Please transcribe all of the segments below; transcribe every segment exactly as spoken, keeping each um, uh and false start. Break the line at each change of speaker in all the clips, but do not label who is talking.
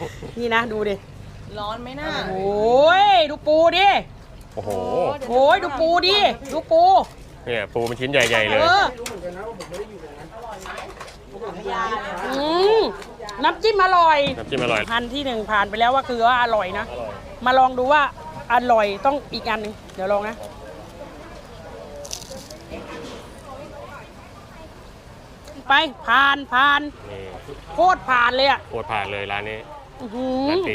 นี่นะดูดิ
ร้อนไหมน่า
โอ้ยดูปูดิ
โอ้โห
โอ้ยดูปูดิดูปู
เนี่ยปูเป็นชิ้นใหญ่ๆเลย
อืมน้ำจิ้มอร่อย
น้ำจิ้มอร่อย
พันที่หนึ่งผ่านไปแล้วว่าคือว่าอร่อยนะมาลองดูว่าอร่อยต้องอีกอันหนึ่งเดี๋ยวลองนะไปผ่านผ่านโคตรผ่านเลยอ่ะ
โคตรผ่านเลยร้านนี้
ร้าน
ดี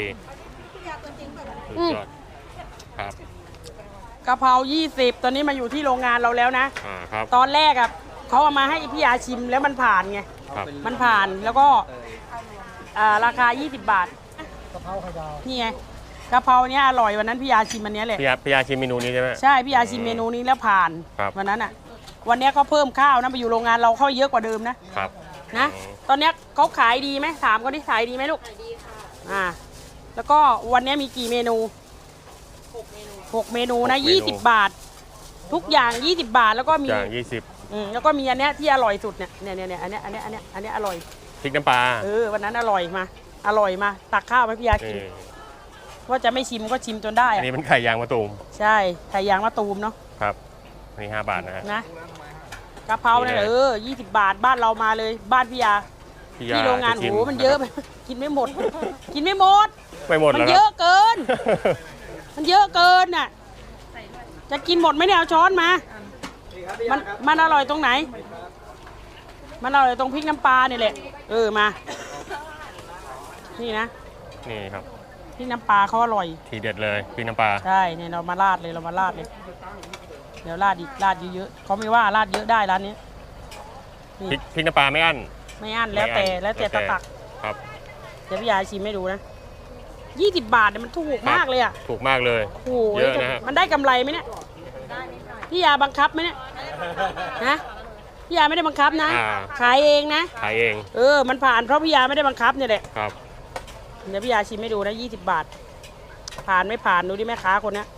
ครับ
กะเพรายี่สิบตอนนี้มาอยู่ที่โรงงานเราแล้วนะ
อ่าครับ
ตอนแรกอ่ะเขาเอามาให้พี่ยาชิมแล้วมันผ่านไงมันผ่านแล้วก็ราคายี่สิบบาทกะเพราไข่ดาวนี่ไงกะเพราเนี้ยอร่อยวันนั้นพี่ยาชิมอันนี้แหละ
พี่ยาพี่ยาชิมเมนูนี้ใช่ไหม
ใช่พี่ยาชิมเมนูนี้แล้วผ่านวันนั้นอ่ะวันนี้เขาเพิ่มข้าวนะไปอยู่โรงงานเราเข้าเยอะกว่าเดิมนะครับนะตอนนี้เขาขายดีไหมถามเขาที่ขายดีไหมลูกขายดีค่ะอ่าแล้วก็วันนี้มีกี่เมนูหกเมนูหกเมนูนะยี่สิบบาททุกอย่างยี่สิบบาทแล้วก็มี
อย่างยี่สิบ
อืมแล้วก็มีอันเนี้ยที่อร่อยสุดเนี่ยเนี่ยเนี่ยอันเนี้ยอันเนี้ยอันเนี้ยอันเนี้ยอร่อย
พริกน้ำปลา
เออวันนั้นอร่อยมาอร่อยมาตักข้าวให้พี่ยากินว่าจะไม่ชิมก็ชิมจนได้
อันนี้เป็นไข่ยางมะตูม
ใช่ไข่ยางมะตูมเนาะ
ครับนี่ห้าบาทนะฮะ
นะกะเพราเนี่ยเออยี่สิบบาทบ้านเรามาเลยบ้านพี่ยาที่โรงงานโหมันเยอะไปกินไม่หมดกินไม่หมด
ไม่หมด
มันเยอะเกินมันเยอะเกินน่ะจะกินหมดไหมเนี่ยเอาช้อนมามันมันอร่อยตรงไหนมันอร่อยตรงพริกน้ำปลาเนี่ยแหละเออมานี่นะ
นี่ครับ
พริกน้ำปลาเขาอร่อย
ทีเด็ดเลยพริกน้ำปลา
ใช่เนี่ยเรามาราดเลยเรามาราดเลยเดี๋ยวราดอีกราดเยอะๆเขาไม่ว่าราดเยอะได้ร้านนี้
พริกพริกน้ำปลาไม่อั้น
ไม่อั้นแล้วแต่แล้วแต่ตะตัก
ครับ
เดี๋ยวพี่ยาชิมให้ดูนะยี่สิบบาทเนี่ยมันถูกมากเลยอ่ะ
ถูกมากเลย
โอ้เยอะนะมันได้กำไรไหมเนี่ยพี่ยาบังคับไหมเนี่ยนะพี่ยาไม่ได้บังคับนะขายเองนะ
ขายเอง
เออมันผ่านเพราะพี่ยาไม่ได้บังคับเนี่ยแหละ
ครับ
เดี๋ยวพี่ยาชิมให้ดูนะยี่สิบบาทผ่านไม่ผ่านดูดิแม่ค้าคนนี้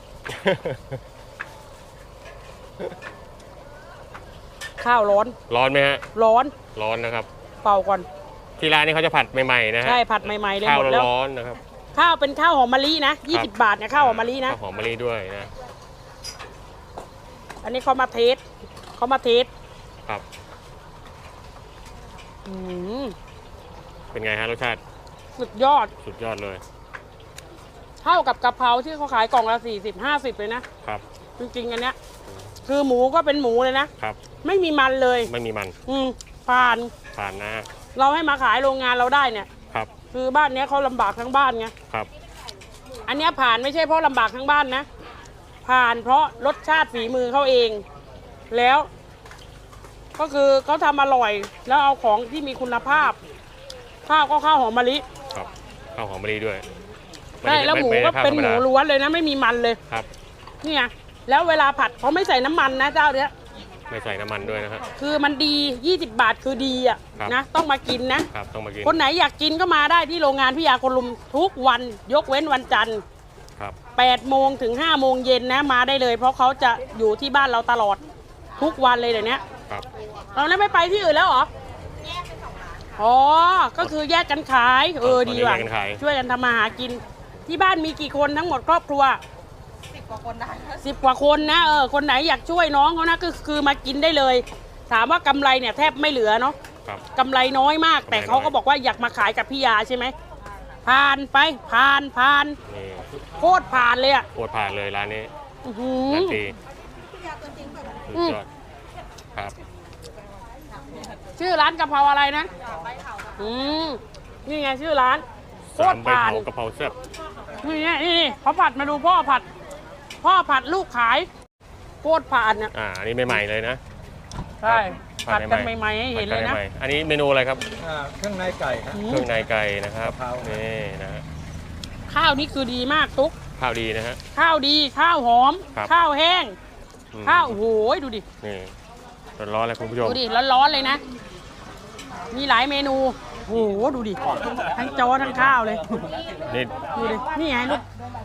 ข้าวร้อน
ร้อนไหมฮะ
ร้อน
ร้อนนะครับ
เป่าก่อน
ที่ร้านนี้เขาจะผัดใหม่ๆนะฮะ
ใช่ผัดใหม่ๆเลย
หมดแล้ว
ข้าว
ร้อนนะครับ
ข้าวเป็นข้าวหอมมะลินะยี่สิบบาทเนี่ยข้าวหอมมะลินะ
ข้าวหอมมะลิด้วยนะ
อันนี้เขามาเทสเขามาเทส
ครับ
อืม
เป็นไงฮะรสชาติ
สุดยอด
สุดยอดเลย
เท่ากับกะเพราที่เขาขายกล่องละสี่สิบห้าสิบเลยนะครับจริงๆอันเนี้ยคือหมูก็เป็นหมูเลยนะครับไม่มีมันเลย
ไม่มีมัน
อืมผ่าน
ผ่านนะ
เราให้มาขายโรงงานเราได้เนี่ย
ครับ
คือบ้านเนี้ยเขาลำบากทั้งบ้านไง
ครับ
อันเนี้ยผ่านไม่ใช่เพราะลำบากทั้งบ้านนะผ่านเพราะรสชาติฝีมือเขาเองแล้วก็คือเขาทำอร่อยแล้วเอาของที่มีคุณภาพข้าวก็ข้าวหอมมะลิ
ครับข้าวหอมมะลิด้วย
ใช่แล้วหมูก็เป็นหมูล้วนเลยนะไม่มีมันเลย
ครับ
นี่ไงแล้วเวลาผัดเขาไม่ใส่น้ำมันนะเจ้าเนี้ย
ไม่ใส่น้ำมันด้วยนะครับ
คือมันดียี่สิบบาทคือดีอ่ะนะต้องมากินนะครับ
ต้องมากิน
คนไหนอยากกินก็มาได้ที่โรงงานพี่ยาคนลุมทุกวันยกเว้นวันจันทร์
ครับ
แปดโมงถึงห้าโมงเย็นนะมาได้เลยเพราะเขาจะอยู่ที่บ้านเราตลอดทุกวันเลยเดี๋ยวนี้
ครับ
เราไม่ไปที่อื่นแล้วเหรออ๋อก็คือแยกกันขายเออดีว่ะช่วยกันทำมาหากินที่บ้านมีกี่คนทั้งหมดครอบครัวสิบกว่าคนได้สิบกว่าคนนะเออคนไหนอยากช่วยน้องเขานะก็คือมากินได้เลยถามว่ากำไรเนี่ยแทบไม่เหลือเนาะกำไรน้อยมากแต่เขาก็บอกว่าอยากมาขายกับพี่ยาใช่ไหมผ่านไปผ่านผ่านโคตรผ่านเลยอ่ะ
โคตรผ่านเลยร้านนี้ร้านดีสุดยอดครับ
ชื่อร้านกะเพราอะไรนะอืมนี่ไงชื่อร้านโคตรผ่าน
กะเพราแซ่บ
นี่ไงนี่เขาผัดมาดูพ่อผัดพ่อผัดลูกขายโคตรผ่านเนี่ย
อ่าอันนี้ใหม่ๆเลยนะ
ใช่ผัดกันใหม่ๆให้เห็นเลยนะ
อันนี้เมนูอะไรครับ
เครื่องในไก่ครับ
เครื่องในไก่นะครับนี่นะฮะ
ข้าวนี่คือดีมากตุ๊ก
ข้าวดีนะฮะ
ข้าวดีข้าวหอมข้าวแห้งข้าวโหยดูดิ
นี่ร้อนๆเลยคุณผู้ชม
ดูดิร้อนๆเลยนะมีหลายเมนูโหดูดิทั้งจอทั้งข้าวเลย
นี่
ดูดินี่ไงลูก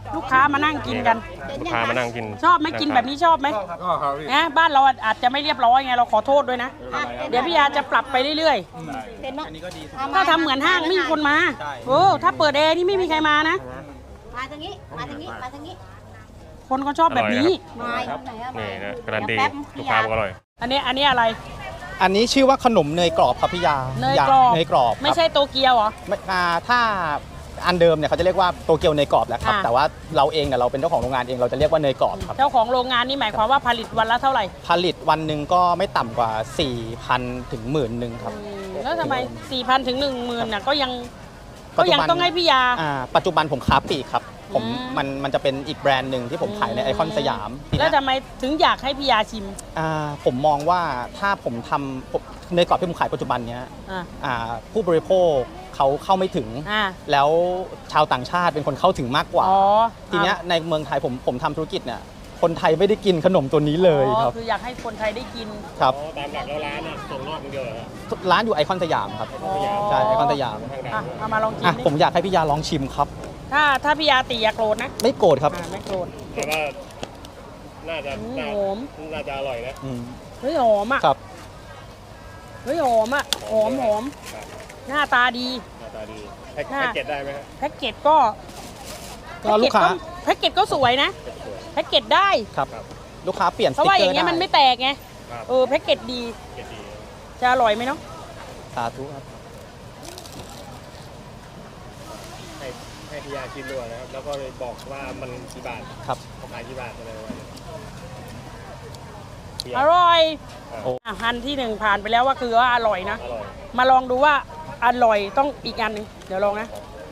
ลูกค้ามานั่งกินกัน
ลูกค้ามานั่งกิน
ชอบไหมกินแบบนี้ชอบไหมนะบ้านเราอาจจะไม่เรียบร้อยไงเราขอโทษด้วยนะ เดี๋ยวพี่ยาจะปรับไปเรื่อยๆถ้าทำเหมือนห้างไม่มีคนมาโอ้ถ้าเปิดแอร์นี่ไม่มีใครมานะ
มาทางนี้ มาทางนี้ มาทางนี้
คนก็ชอบแบบนี้
มาไหนอะมา
นี่นะการันตี
แป๊บ
ลูกค้าบอกอร่อย
อันนี้อันนี้อะไร
อันนี้ชื่อว่าขนมเนยกรอบครับพี่ยา
เนยกรอบ
เนยกรอบครับ
ไม่ใช่โตเกียวเหรอ
ไม่อ่าถ้าอันเดิมเนี่ยเขาจะเรียกว่าโตเกียวเนยกรอบแหละครับ
อ่า
แต่ว่าเราเองเนี่ยเราเป็นเจ้าของโรงงานเองเราจะเรียกว่าเนยกรอบครับ
เจ้าของโรงงานนี่หมายความว่าผลิตวันละเท่าไหร่
ผลิตวันหนึ่งก็ไม่ต่ำกว่า สี่พัน ถึงหมื่นหนึ่งครับ
อืมแล้วทำไม สี่พัน ถึง หนึ่งหมื่นน่ะก็ยัง
ปั
ก็
จจุบัน
ยังต้องให้พี่ยา
อ่าปัจจุบันผมค้าปลีกครับผม
อืม
มันมันจะเป็นอีกแบรนด์หนึ่งที่ผมขายในไอคอนสยามที
แล้ว
เนี้ย
ทำไมถึงอยากให้พี่ยาชิม
อ่าผมมองว่าถ้าผมทำผมเนยกรอบที่ผมขายปัจจุบันเนี้ย
อ่า
อ่าผู้บริโภคเขาเข้าไม่ถึง
อ่า
แล้วชาวต่างชาติเป็นคนเข้าถึงมากกว่า
อ๋อ
ทีเนี้ยในเมืองไทยผมผมทำธุรกิจเนี่ยคนไทยไม่ได้กินขนมตัวนี้เลยครับ
อ๋อคืออยากให้คนไทยได้กิน
ครับ
อ๋อ ตามหลักแล้วร้านน่ะส่งนอกคนเดียวเหรอครับ
ร้านอยู่ไอคอนสยามครับ
อ๋อ
ใช่ไอคอนสยาม
อ่ะเอามาลองกิน
อ่ะ
ดิ
ผมอยากให้พี่ยาลองชิมครับ
ถ้าถ้าพี่ยาตีอย่าโกรธนะ
ไม่โกรธครับ
อ่าไม่โกรธ
แต่ว่าน่าจะ
อืม
น่า
หอม
น่าจะอร่อยนะ
อืม
เฮ้ยหอมอ่ะ
ครับ
เฮ้ยหอมอ่ะหอมหอม
ครับ ห
หน้าตาดี
น้าตาดีแพ็ค
ค่ะ
แพ็คเกจได้ไหมครับ
แพ็กเกจก็
ก็ลูกค้า
แพ็กเกจก็สวยนะ แพ็กเกจได้
ครับลูกค้าเปลี่ยนส
เพราะ
ติ๊ก
ว่า
เก
อ
อย่าง ร์
เงี้ย
ได้
มันไม่แตกไง
ครับ
เออแพ็กเกจดี
เกจดี
จะอร่อยไหมเนาะ
สาธุครับ
ให้ให้พี่ยาชิมด้วยนะครับ แล้วก็เลยบอกว่ามันกี่บาท
ครับ
เขาขายกี่บาทอะไรประมาณนี้พี่
อย ร่อย
อ่ะ
โอ้
อ่ะอันที่หนึ่งผ่านไปแล้วว่าคือว่าอร่อยนะ
อร่อย
มาลองดูว่าอร่อยต้องอีกอันหนึงเดี๋ยวลองนะ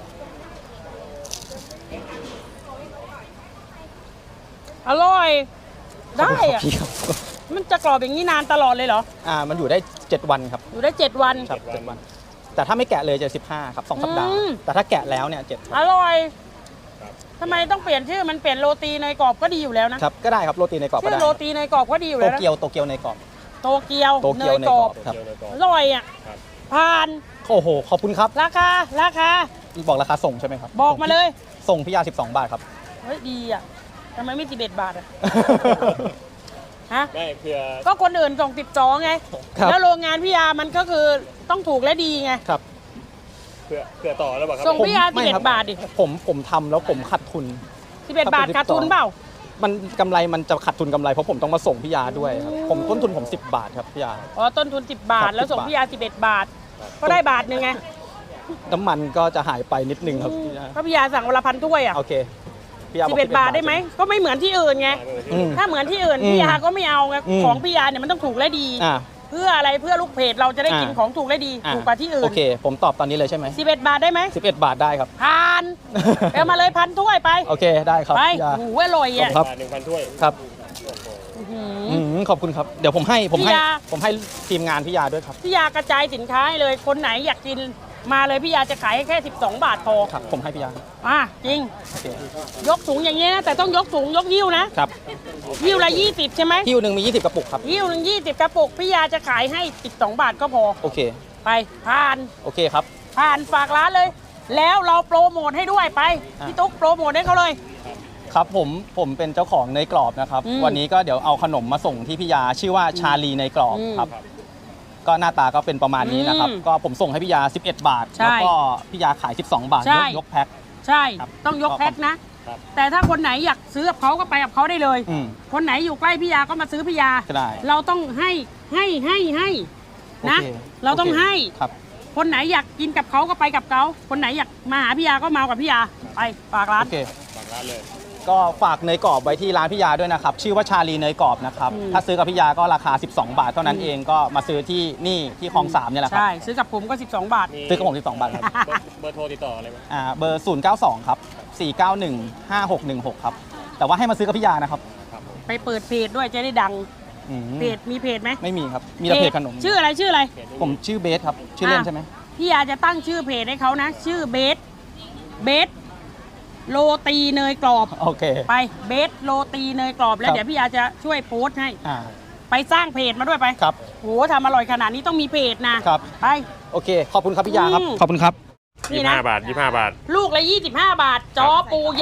อร่อย ได้อะ
พี่ครับ
มันจะกรอบอย่างนี้นานตลอดเลยเหรอ
อ่ามันอยู่ได้เจ็ดวันครับ
อยู่ได้เจ็ดวัน
ครับเจ็ดวัน แต่ถ้าไม่แกะเลยจะสิบห้าครับสองสัปดาห์
อืม
แต่ถ้าแกะแล้วเนี่ยเจ็ด
อร่อย
ครับ
ทำไมต้องเปลี่ยนชื่อมันเปลี่ยนโรตีเนยกรอบก็ดีอยู่แล้วนะครับ
ก็ได้ครับโรตีในกรอบก็
ชื่อ
ได้
โรตีเนยกรอบก็ดีอยู่
โต
แล้วนะ
เกียวโตเกียวในกรอบ
โตเกียว
โตเกียวในกรอบครับ
เกี่ยวเลยก่อน
อร่อยอ่ะ
ครับ
ผ่าน
โอ้โหขอบคุณครับ
ราคาราคา
บอกราคาส่งใช่ไหมครับ
บอกมาเลย
ส่งพี่ยาสิบสองบาทครับ
เฮ้ยดีอ่ะทำไมไม่สิบเอ็ดบาทอ่ะฮะ
ไม่เพื่อ
ก็คนอื่นส่งสิบสองไง
ครับ
แล้วโรงงานพี่ยามันก็คือต้องถูกและดีไง
ครับ
เพื่อเพื่อต่อแล้วเปล่าครับ
ส่ง พี่ยา
ไม่
สิบเอ็ด
ครับ
บาทดิ
ผมผมทำแล้วผมขาดทุน
สิบเอ็ด
ครับ
บาท
เป็น
ขาดทุน
สิบสอง
เปล่า
มันกำไรมันจะขาดทุนกำไรเพราะผมต้องมาส่งพี่ยาด้วยครับผมต้นทุนผมสิบบาทครับพี่ยา
อ๋อต้นทุนสิบบา
ครั
ท
บ
แล้วส่ง
สิบบาท
พี่ยาสิบเอ็ดบาท ก็ได้บาทหนึ่งไง
น้ำมันก็จะหายไปนิดนึงครับพี่ยา
ก็พี่ยาสั่งวันละพันถ้วยอ่ะ
โอเคพี่ยา
สิบเอ็ดบาทได้ไหมก็ไม่เหมือนที่อื่นไง
อืม
ถ้าเหมือนที่อื่น
อืม
พี่ยาก็ไม่เอาไง
อืม
ของพี่ยาเนี่ยมันต้องถูกและดี
อ่า
เพื่ออะไรเพื่อลูกเพจเราจะได้กิน
อ่า
ของถูกและดี
อ่
ถูกกว่าที่อื่
โอน เค ผมตอบตอนนี้เลยใช่ไหม
สิบเอ็ดบาทได้ไหม
สิบเอ็ดบาทได้ครับ
ผ่านเอามาเลยพันถ้วยไป
โอเคได้ครับ
ไป
พี่ยา
โอ้โหอร่อยอ่ะ
ครับ
หนึ่งพันถ้วย
ครับ
อื้อหือ
อืมขอบคุณครับเดี๋ยวผมให้ผมให้
พี่ยา
ผมให้ทีมงานพี่ยาด้วยครับ
พี่ยากระจายสินค้าให้เลยคนไหนอยากกินมาเลยพี่ยาจะขายให้แค่สิบสองบาทพอ
ครับผมให้พี่ยา
อ่ะจริง
โอเค
ยกสูงอย่างนี้นะแต่ต้องยกสูงยกหิ้วนะครับ หิ้วละยี่สิบใช่ไหม
คิวหนึ่งมียี่สิบกระปุกครับ
หิ้วหนึ่งยี่สิบกระปุกพี่ยาจะขายให้สิบสองบาทก็พอ
โอเค
ไปผ่าน
โอเคครับ
ผ่านฝากร้านเลย แล้วเราโปรโมทให้ด้วยไป
อ่ะ
พี่ตุ๊กโปรโมทให้เขาเลย
ครับผมผมเป็นเจ้าของเนยกรอบนะครับ
อืม
วันนี้ก็เดี๋ยวเอาขนมมาส่งที่พี่ยาชื่อว่าชาลีเนยกรอบ
อืม
ครับ ก็หน้าตาก็เป็นประมาณนี้นะครับ
อืม
ก็ผมส่งให้พี่ยาสิบเอ็ดบาท
ใช่
แล้วก็พี่ยาขายสิบสองบาท
ใช่
ยกยกแพ็ค
ใช่
ครับ
ต้องยก
ก็
แพ็คนะ
ครับ
แต่ถ้าคนไหนอยากซื้อกับเขาก็ไปกับเขาได้เลย
อืม
คนไหนอยู่ใกล้พี่ยาก็มาซื้อพี่ยา
ก็ได้
เราต้องให้ให้ให้ให้นะ
โอค
เราต้อง
โค
ให้
ครับ
คนไหนอยากกินกับเขาก็ไปกับเขาคนไหนอยากมาหาพี่ยาก็มากับพี่ยาไปฝากร้าน
โอเค
ฝากร้านเลย
ก็ฝากเนยกรอบไว้ที่ร้านพี่ยาด้วยนะครับ ชื่อว่าชาลีเนยกรอบนะครับ
อืม
ถ้าซื้อกับพี่ยาก็ราคา สิบสองบาทเท่านั้น
อืม
เองก็มาซื้อที่นี่ที่คลองสามเนี่ยแหละครับ
ใช่ซื้อกับผมก็สิบสองบาท
มี
ซื้อกับผมสิบสองบาทครับ
เบอร์เบอร์โทรติดต่ออะไรไหม
อ่าเบอร์ ศูนย์ เก้า สอง ครับ สี่ เก้า หนึ่ง ห้า หก หนึ่ง หก ครับ แต่ว่าให้มาซื้อกับพี่ยานะครับ
ครับผม
ไปเปิดเพจด้วยจะได้ดัง
อืม
เพจมีเพจไหม
ไม่มีครับ มีแต่เพจขนม
ชื่ออะไรชื่ออะไร
เพจนี้
ผมชื่อเบสครับ ชื่อเล่นใช่ไหม
พี่ยาจะตั้งชื่อเพจให้เขานะ ชื่อเบสเบสโรตีเนยกรอบ
โอเค
ไปเบสโรตีเนยกรอบแล้ว
ครับ
เดี๋ยวพี่ยาจะช่วยโพสต์ให้
อ่า
ไปสร้างเพจมาด้วยไป
ครับ
โหทำอร่อยขนาดนี้ต้องมีเพจนะครับ ไป
โอเค ขอบคุณครับพี่ยาครับ
อืม
ขอบคุณครับ
นี่
ยี่สิบ
นะ
ห้าบาทยี่สิบห้าบาท
ลูกละยี่สิบห้าบาท จอปูยักษ์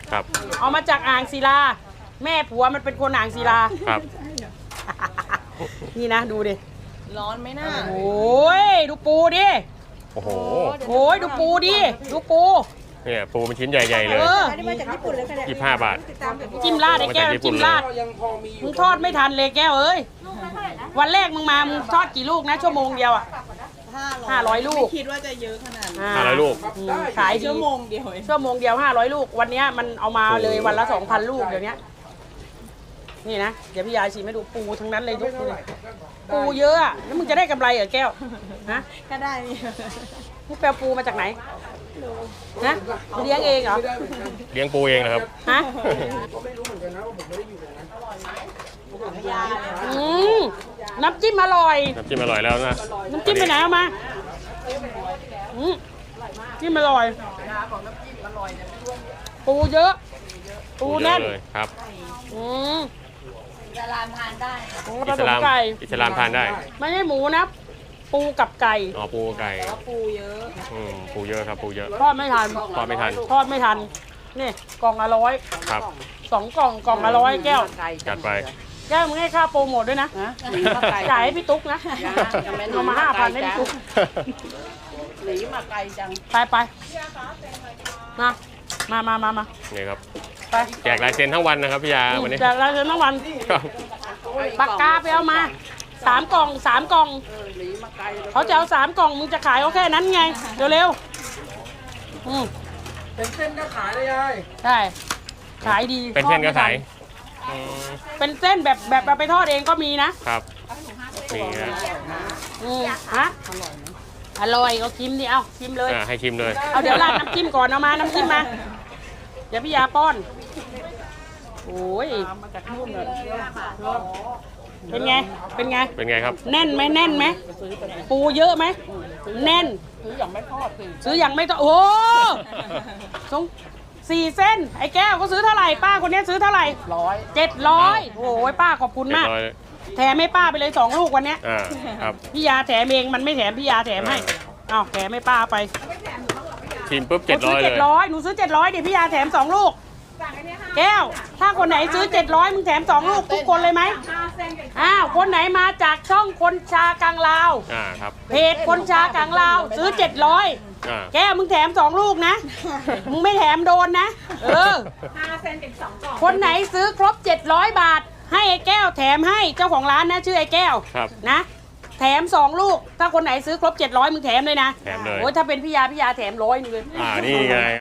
ครับ
เอามาจากอ่างศิลา แม่ผัวมันเป็นคนอ่างศิลา
ครับ
นี่นะดูดิ
ร้อนไหมน่า
โอ้ยดูปูดิ
โอ้โห
โอ้ยดูปูดิดูปู
เนี่ยปูเป็นชิ้นใหญ่ๆเลย
เออ
อันนี้มาจากญี่ปุ่นเลยค่ะเนี่ย
ยี่สิบห้าบาท
จิ้มราดไอ้แก้วจิ้มราดมึงทอดไม่ทันเลยแก้วเอ้ยวันแรกมึงมามึงทอดกี่ลูกนะชั่วโมงเดียวอ่ะห้าร้อยลูก
ไม่คิดว่าจะเยอะขนาดนี้
ห้าร้อยลูก
อืมขายดี
ชั่วโมงเดียวเอง
ชั่วโมงเดียวห้าร้อยลูกวันเนี้ยมันเอามาเลยวันละสองพันลูกเดี๋ยวนี้นี่นะเดี๋ยวพี่ยายชิมให้ดูปูทั้งนั้นเลยยกดูเลยปูเยอะอะแล้วมึงจะได้กำไรเหรอแก้วฮะ
ก็ได้นี่
มึงไปเอาปูมาจากไหนนะเลี้ยงเองเหรอ
เลี้ยงปูเองนะครับ
ฮะอืมน้ำจิ้มอร่อย
น้ำจิ้มอร่อยแล้วนะ
น้ำจิ้มไปไหนเอามาอืมจิ้มอร่อยปูเยอะ ปู
ปูเย
แน่
อะ
น
เลยครับ
อืม
จะรานทานได้
โอ้ผ
อิ
ส
ส
ม
ลาม
ไก่
อิสลามทานได้
ไม่ใช่หมูนะ ปูกับไก่
อ๋อปูไก่
ปูเยอะ
อืมปูเยอะครับปูเยอะ
ทอดไม่ทัน
ทอดไม่ทัน
ทอดไม่ทัน นี่กล่องละร้อย
ครับ
สองกล่องกล่องละร้อยแก้ว
จัดไป
แก้วมึงให้ค่าโปรโมทด้วยนะจ่ายให้พี่ตุ๊กนะเอามาห้าพันให้พี่ตุ๊ก
หนีมาไกลจัง
ไปไปมามามามามา
นี่ครับ
ไป
แจกลายเซ็นทั้งวันนะครับพี่ยาวันนี้
จากร้านเซ็นทั้งวัน
ครับ
ปากกาไปเอามาสามกล่องสามกล่องเขาจะเอาสามกล่องมึงจะขายเขาแค่นั้นไงเร็วๆอืม
เป็นเส้นก็ขายเลยยาย
ใช่ขายดี
เป็นเส้นก็ขาย
ทอดไม่ทั
อืม
เป็นเส้นแบบแบบเอาไปทอดเองก็มีนะครับ
นี่นะ
อืมฮะอร่อยก็ชิมดิเอาชิมเลย
อ่าให้ชิมเลย
เอาเดี๋ยวราดน้ำจิ้มก่อนเอามาน้ำจิ้มมาเดี๋ยวพี่ยาป้อนโอ้ยมาจากนู่นเลยเป็นไงเป็นไง
เป็นไงครับ
แน่นไหมแน่นไหมปูเยอะไหมแน่นซื้ออย่างไม่ทอดซื้ออย่างไม่ทอดโอ้สงสี่เส้นไอ้แก้วก็ซื้อเท่าไหร่ป้าคนนี้ซื้อเท่าไหร่ร้อยเจ็ดร้อยโอ้ยป้าขอบคุณ
เรีย
มาก
บร้อยเลย
แถมให้ป้าไปเลยสองลูกวันเนี้ย
อ่าครับ
พี่ยาแถมเองมันไม่แถมพี่ยาแถมให้อ้าวแถมให้ป้าไป
ชิมปุ๊บเจ็ดร้อย
หนูซื้อ
เล
เจ็
ย
ดร้อยหนูซื้อเจ็ดร้อยเดี๋ยวพี่ยาแถมสองลูกแก้ว ถ้าคนไหนซื้อเจ็ดร้อยมึงแถมสองลูกทุกคนเลยไหมอ้าวคนไหนมาจากช่องคนชากลางลาว
อ่าครับ
เพจคนชากลางลาวซื้อเจ็ดร้อย
อ่า
แก้วมึงแถมสองลูกนะ มึงไม่แถมโดนนะ เออคนไหนซื้อครบเจ็ดร้อยบาท ให้ไอ้แก้วแถมให้เจ้าของร้านนะชื่อไอ้แก้ว
ครับ
นะ แถมสองลูก ถ้าคนไหนซื้อครบเจ็ดร้อยมึงแถมเลยนะ
แถมเลย
โอ้ยถ้าเป็นพี่ยาพี่ยาแถมร้อยนึงเลย
อ่านี่ไง